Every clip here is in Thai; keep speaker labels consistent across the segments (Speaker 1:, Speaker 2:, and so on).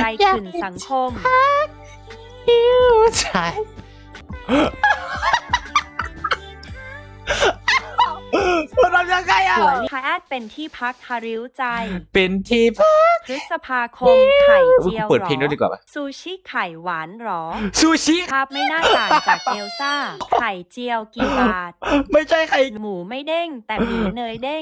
Speaker 1: อะไรขึ้นสังคม
Speaker 2: ใช่มันทำยังไงอ่ะ
Speaker 1: หัวลิคาแอดเป็นที่พักฮาริ้วใจ
Speaker 2: เป็นที่พัก
Speaker 1: พฤษภาคมไข่เจียว
Speaker 2: เปิดเพลงด้วยดีกว่าป่ะ
Speaker 1: ซูชิไข่หวานหรอ
Speaker 2: ซูชิ
Speaker 1: ภาพไม่น่าต่างจากเอลซ่าไข่เจียวกี่บาท
Speaker 2: ไม่ใช่ใคร
Speaker 1: หมูไม่เด้งแต่หมีเนยเด้ง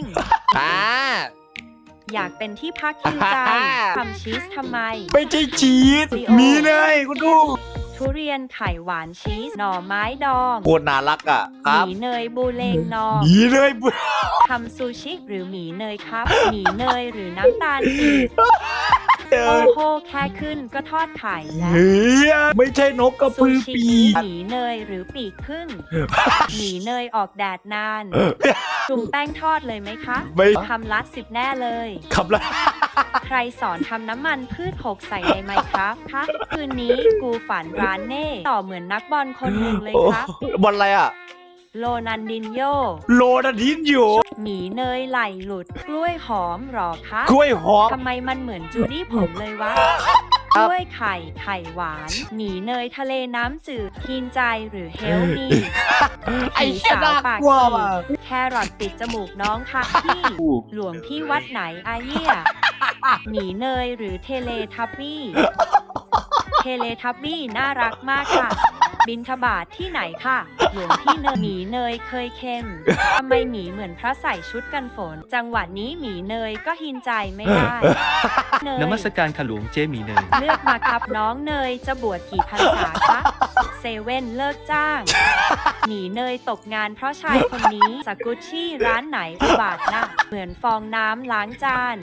Speaker 1: อยากเป็นที่พักฮิวใจทำชีสทำไม
Speaker 2: ไม่ใช่ชีสมีเลยคุณดู
Speaker 1: ทุเรียนไข่หวานชีสหน่อไม้ดอง
Speaker 2: โคตรน่ารักอ่ะค
Speaker 1: ห
Speaker 2: รับ
Speaker 1: มีเนยบูเลงนอง
Speaker 2: มีเลยบุ
Speaker 1: ทำซูชิหรือหมีเนยครับหมีเนยหรือน้ำตาลปี๊บโอ้โหแค่ขึ้นก็ทอดไข่แล้ว
Speaker 2: เฮ้ยไม่ใช่นกกระ
Speaker 1: ซู
Speaker 2: พือ
Speaker 1: ชิ
Speaker 2: ปีก
Speaker 1: หมีเนยหรือปีกพึ่งหมีเนยออกแดดนานจุ่มแป้งทอดเลยไหมคะ
Speaker 2: ไม่
Speaker 1: คำละ10แน่เลย
Speaker 2: ขับละ
Speaker 1: ใครสอนทำน้ำมันพืชหกใส่ในไมค์ครับคะคืนนี้กูฝันร้านเน่ต่อเหมือนนักบอลคนหนึ่งเลยครับ
Speaker 2: บอลอะไรอ่ะ
Speaker 1: โรนันดินโย
Speaker 2: โลนาดินอยู่
Speaker 1: หมีเนยไหลหลุดกล้วยหอมหรอคะ
Speaker 2: กล้วยหอม
Speaker 1: ทำไมมันเหมือนจูดี้ผมเลยวะกล้วยไข่ไข่หวานหมีเนยทะเลน้ำจืดทีนใจหรือเฮลมี
Speaker 2: ไอ้
Speaker 1: ผี
Speaker 2: เหี้ย
Speaker 1: สาว
Speaker 2: น่า
Speaker 1: ปาก
Speaker 2: กลัว
Speaker 1: ฉี
Speaker 2: ว่ะ
Speaker 1: กแครอทติดจมูกน้องค่ะพี่ หลวงพี่วัดไหนอาเยี่ยหมีเนยหรือเทเลทับบี้ เทเลทับบี้น่ารักมากค่ะ บินทบาทที่ไหนค่ะ หลวงพี่เนยหมีเนยเคยเค็มทำไมหมีเหมือนพระใส่ชุดกันฝน จังหวะนี้หมีเนยก็หินใจไม่ได้เนย
Speaker 3: นมัสการขลุงเจหมีเนย
Speaker 1: เลือกมาครับน้องเนยจะบวชกี่พรรษาคะเซเว่นเลิกจ้าง หมีเนยตกงานเพราะชายคนนี้สกุชชี่ร้านไหนอุบาทนะเหมือนฟองน้ำล้างจาน